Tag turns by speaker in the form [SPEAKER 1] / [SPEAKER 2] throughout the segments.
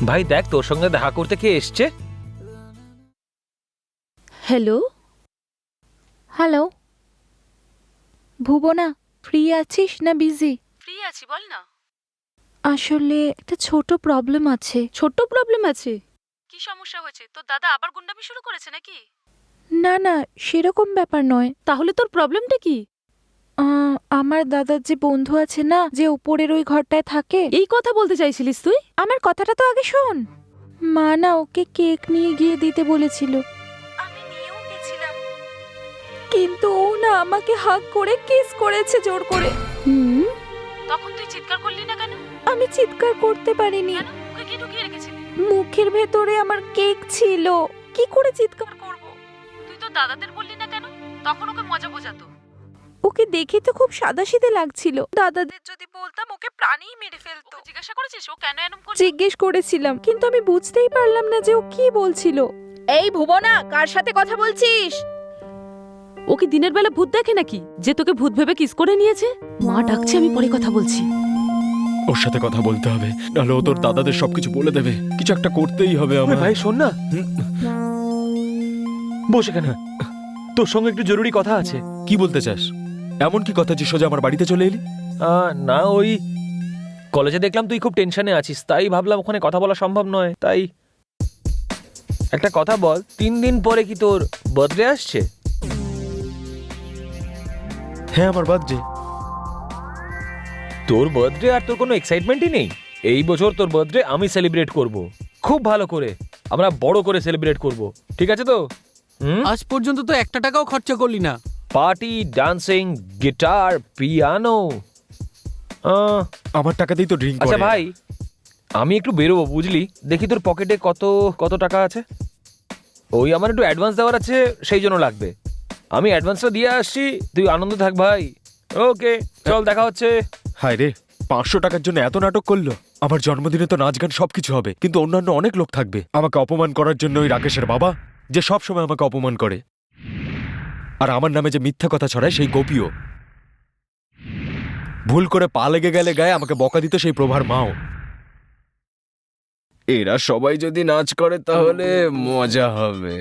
[SPEAKER 1] ভাই দেখ, তোর সঙ্গে দেখা করতে কে এসছে।
[SPEAKER 2] হ্যালো হ্যালো ভুবনা, ফ্রি আছিস না বিজি?
[SPEAKER 3] ফ্রি আছি, বল না।
[SPEAKER 2] আসলে একটা ছোট প্রবলেম আছে।
[SPEAKER 3] ছোট্ট প্রবলেম আছে? কি সমস্যা হয়েছে? তোর দাদা আবার গুন্ডামি শুরু করেছে নাকি?
[SPEAKER 2] না না, সেরকম ব্যাপার নয়।
[SPEAKER 3] তাহলে তোর প্রবলেমটা কি?
[SPEAKER 2] আমার দাদার যে বন্ধু আছে না, যে উপরের ওই ঘরটায় থাকে,
[SPEAKER 3] এই কথা বলতে চাইছিলিস তুই?
[SPEAKER 2] আমার কথাটা তো আগে শোন। মা না ওকে কেক নিয়ে গিয়ে দিতে বলেছিল,
[SPEAKER 3] আমি নিয়েও গেছিলাম।
[SPEAKER 2] কিন্তু ও না আমাকে হাগ করে কিস করেছে জোর করে।
[SPEAKER 3] তখন তুই চিৎকার করলি না কেন?
[SPEAKER 2] আমি চিৎকার করতে পারিনি,
[SPEAKER 3] কেন? ওকে কি ঢুকিয়ে রেখেছিলি?
[SPEAKER 2] মুখের ভেতরে আমার কেক ছিল, কি করে চিৎকার করব?
[SPEAKER 3] তুই তো দাদাদের বললি না কেন? তখন ওকে মজা বোঝাতো।
[SPEAKER 2] ওকে দেখে তো খুব সাদাসিধে লাগছিল, দাদাদের যদি বলতাম ওকে প্রাণেই মেরে ফেলতো।
[SPEAKER 3] ওকে জিজ্ঞাসা করেছিস ও কেন এরকম করছে?
[SPEAKER 2] জিজ্ঞেস করেছিলাম, কিন্তু আমি বুঝতেই পারলাম না যে ও কি বলছিল। এই ভুবনা, কার সাথে কথা বলছিস?
[SPEAKER 3] ও কি দিনের বেলা ভূত দেখে নাকি যে তোকে ভূত ভেবে কিস করে নিয়েছে? মা ডাকছে, আমি পরে কথা বলছি।
[SPEAKER 4] ওর সাথে কথা বলতে হবে, নাহলে ও তোর দাদাদের সবকিছু বলে দেবে। কিছু একটা করতেই হবে আমার।
[SPEAKER 1] ভাই শোন না, বসে কেন, তোর সঙ্গে একটু জরুরি কথা আছে।
[SPEAKER 4] কি বলতে চাস? এমন কি কথা যে সোজা আমার বাড়িতে চলে এলি?
[SPEAKER 1] না, ওই কলেজে দেখলাম তুই খুব টেনশনে আছিস, তাই ভাবলাম ওখানে কথা বলা সম্ভব নয়। তাই একটা কথা বল, 3 দিন পরে কি তোর বার্থডে আসছে?
[SPEAKER 4] হ্যাঁ, আমার বার্থডে।
[SPEAKER 1] তোর বার্থডে আর তোর কোনো এক্সাইটমেন্টই নেই? এই বছর তোর বার্থডে আমি সেলিব্রেট করব, খুব ভালো করে, আমরা বড় করে সেলিব্রেট করব, ঠিক আছে তো?
[SPEAKER 5] আজ পর্যন্ত তো 1 টাকাও খরচা করলি না।
[SPEAKER 1] Party, dancing, guitar, piano.
[SPEAKER 4] আমার টাকাতেই তো ড্রিঙ্ক
[SPEAKER 1] আচ্ছা
[SPEAKER 4] করে।
[SPEAKER 1] ভাই, আমি একটু বেরোবো বুঝলি, দেখি তোর পকেটে কত কত টাকা আছে। ওই আমার একটু অ্যাডভান্স দেওয়ার আছে, সেই জন্য লাগবে। আমি অ্যাডভান্সটা দিয়ে আসছি, তুই আনন্দ থাক ভাই। ওকে, চল, দেখা হচ্ছে।
[SPEAKER 4] হায় রে, 500 টাকার জন্য এত নাটক করলো। আমার জন্মদিনে তো নাচ গান সবকিছু হবে, কিন্তু অন্যান্য অনেক লোক থাকবে। আমাকে অপমান করার জন্য ওই রাকেশের বাবা, যে সব সময় আমাকে অপমান করে, আর আমার নামে যে মিথ্যা কথা ছড়ায় সেই গোপীও, ভুল করে পা লেগে গেলে গায়ে আমাকে বকা দিত সেই প্রভার মাও। এরা সবাই যদি নাচ করে তাহলে মজা হবে।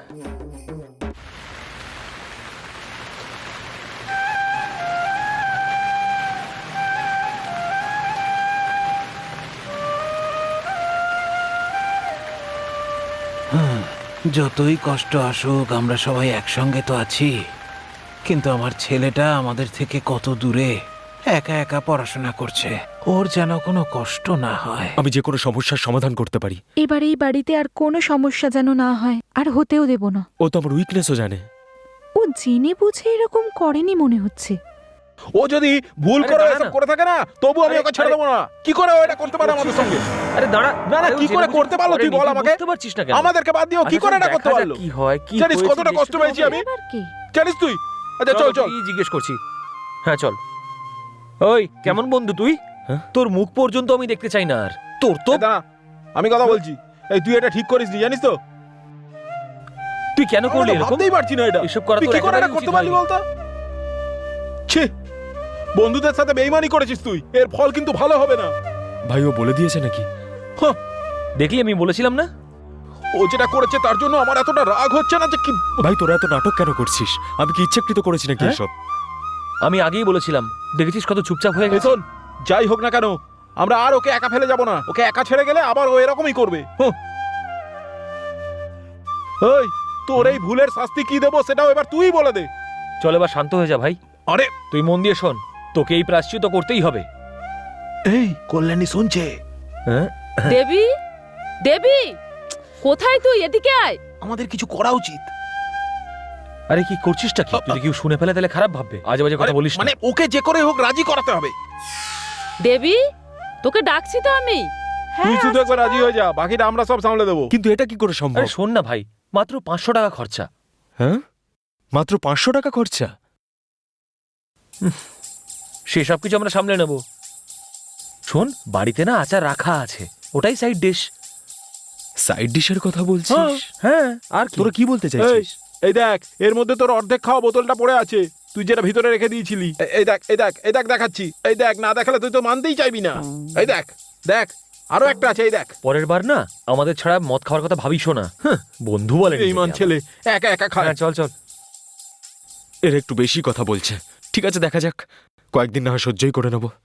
[SPEAKER 6] যতই কষ্ট আসুক আমরা সবাই একসঙ্গে তো আছি, কিন্তু আমার ছেলেটা আমাদের থেকে কত দূরে একা একা পড়াশোনা করছে। ওর যেন কোনো কষ্ট না হয়।
[SPEAKER 4] আমি যে কোনো সমস্যার সমাধান করতে পারি।
[SPEAKER 2] এবার এই বাড়িতে আর কোনো সমস্যা যেন না হয়, আর হতেও দেব না।
[SPEAKER 4] ও তো আমার উইকনেসও জানে।
[SPEAKER 2] ও জেনে বুঝে এরকম করেনি মনে হচ্ছে।
[SPEAKER 7] ও যদি ভুল
[SPEAKER 1] আরে
[SPEAKER 7] করে
[SPEAKER 1] দাঁড়া
[SPEAKER 7] এসব
[SPEAKER 1] না।
[SPEAKER 7] করে থাকে না, তবু আমি ওকে ছেড়ে দেবো না। কি করে ও এটা করতে পারে আমাদের সঙ্গে?
[SPEAKER 1] আরে দাঁড়া,
[SPEAKER 7] না, না,
[SPEAKER 1] আরে ও
[SPEAKER 7] কি করে
[SPEAKER 1] জেনে
[SPEAKER 7] করতে
[SPEAKER 1] বুঝে
[SPEAKER 7] পারলো তুই
[SPEAKER 1] করেনি,
[SPEAKER 7] বল আমাকে।
[SPEAKER 1] বুঝতে পারছিস না কেন?
[SPEAKER 7] আমাদেরকে বাদ দিও, কি
[SPEAKER 1] আচ্ছা,
[SPEAKER 7] করে
[SPEAKER 1] চল,
[SPEAKER 7] এটা করতে
[SPEAKER 1] দেখা যাক
[SPEAKER 7] পারলো?
[SPEAKER 1] কি হয়, কি
[SPEAKER 7] জানিস
[SPEAKER 1] হয়েছে,
[SPEAKER 7] কতটা কষ্ট
[SPEAKER 1] দেখতে
[SPEAKER 7] পেয়েছি
[SPEAKER 1] হবে।
[SPEAKER 7] আমি?
[SPEAKER 2] এবার কি?
[SPEAKER 7] জানিস তুই? আচ্ছা চল চল।
[SPEAKER 1] কি জিজ্ঞেস করছি? হ্যাঁ চল। ওই কেমন বন্ধু তুই?
[SPEAKER 4] হ্যাঁ?
[SPEAKER 1] তোর মুখ পর্যন্ত আমি দেখতে চাই না আর। তোর তো
[SPEAKER 7] এই দাঁড়া, আমি কথা বলছি। এই তুই এটা ঠিক করিস নি, জানিস তো?
[SPEAKER 1] তুই কেন করলি
[SPEAKER 7] আমি তো
[SPEAKER 1] এরকম?
[SPEAKER 7] ভাবতেই পারছি না এটা।
[SPEAKER 1] এসব করা
[SPEAKER 7] তুই
[SPEAKER 1] তোর
[SPEAKER 7] কি করে এটা
[SPEAKER 1] একেবারেই
[SPEAKER 7] করতে
[SPEAKER 1] উচিত
[SPEAKER 7] পারলি
[SPEAKER 1] হয়নি।
[SPEAKER 7] বলতো? ছি, বন্ধুদের সাথে বেইমানি করেছিস তুই, এর ফল কিন্তু ভালো হবে না।
[SPEAKER 4] ভাই, ও বলে দিয়েছে নাকি?
[SPEAKER 1] দেখলি, আমি বলেছিলাম না?
[SPEAKER 7] ও যেটা করেছে তার জন্য আমার এতটা রাগ হচ্ছে না যে কি।
[SPEAKER 4] ভাই, তোরা এত নাটক কেন করছিস? আমি কি ইচ্ছাকৃত করেছি নাকি
[SPEAKER 1] হ্যাঁ?
[SPEAKER 4] এসব?
[SPEAKER 1] আমি আগেই বলেছিলাম, দেখেছিস কত চুপচাপ হয়ে
[SPEAKER 7] এই
[SPEAKER 1] গেছে।
[SPEAKER 7] শোন, যাই হোক না কেন, আমরা আর ওকে একা ফেলে যাব না। ওকে একা ছেড়ে গেলে আবার ও এরকমই করবে। এই, তোর এই ভুলের শাস্তি কি দেবো সেটাও এবার তুই বলে দে।
[SPEAKER 1] চল এবার শান্ত হয়ে যা ভাই।
[SPEAKER 7] আরে
[SPEAKER 1] তুই মন দিয়ে শোন, তোকে এই প্রায়শ্চিত্ত করতেই হবে।
[SPEAKER 7] এই কল্যাণী শুনছে।
[SPEAKER 1] হ্যাঁ,
[SPEAKER 3] দেবী, দেবী, কোথায় তুই? এদিকে আয়।
[SPEAKER 7] আমাদের কিছু করা উচিত।
[SPEAKER 1] আরে কি করছিসটা কি? যদি কেউ শুনে ফেলে তাহলে খারাপ ভাববে। আজে বাজে কথা
[SPEAKER 7] আরে,
[SPEAKER 1] বলিস
[SPEAKER 7] মানে
[SPEAKER 1] না।
[SPEAKER 7] ওকে যে করে হোক রাজি করাতে হবে।
[SPEAKER 3] দেবী, তোকে ডাকছি তো আমি।
[SPEAKER 7] তুই শুধু একবার রাজি হয়ে যা, বাকিটা আমরা সব সামলে দেবো।
[SPEAKER 4] কিন্তু এটা কি করে সম্ভব?
[SPEAKER 1] আরে শোন না ভাই, মাত্র 500 টাকা খরচা।
[SPEAKER 4] হ্যাঁ, মাত্র 500 টাকা খরচা?
[SPEAKER 1] সেসব কিছু আমরা সামলে নেব। শোন, বাড়িতে না আচার রাখা আছে, ওটাই সাইড ডিশ।
[SPEAKER 4] সাইড ডিশের কথা বলছিস?
[SPEAKER 1] হ্যাঁ, আর কি?
[SPEAKER 4] তোরা কি বলতে চাইছিস?
[SPEAKER 7] এই দেখ, এর মধ্যে তোর অর্ধেক খাওয়া বোতলটা পড়ে আছে, তুই যেটা ভিতরে রেখে দিয়েছিলি। এই দেখ, এই দেখ, এই দেখ দেখাচ্ছি। এই দেখ, না দেখালে তুই তো মানতেই চাইবি না। এই দেখ, দেখ, আরো একটা আছে, এই দেখ।
[SPEAKER 1] পরের বার না আমাদের ছাড়া মদ খাওয়ার কথা ভাবিসও না। বন্ধু বলে
[SPEAKER 7] বেইমান ছেলে, একা একা খায়।
[SPEAKER 1] চল চল।
[SPEAKER 4] এর একটু বেশি কথা বলছে। ঠিক আছে, দেখা যাক, কয়েকদিন না হয় সহ্যই করে নেবো।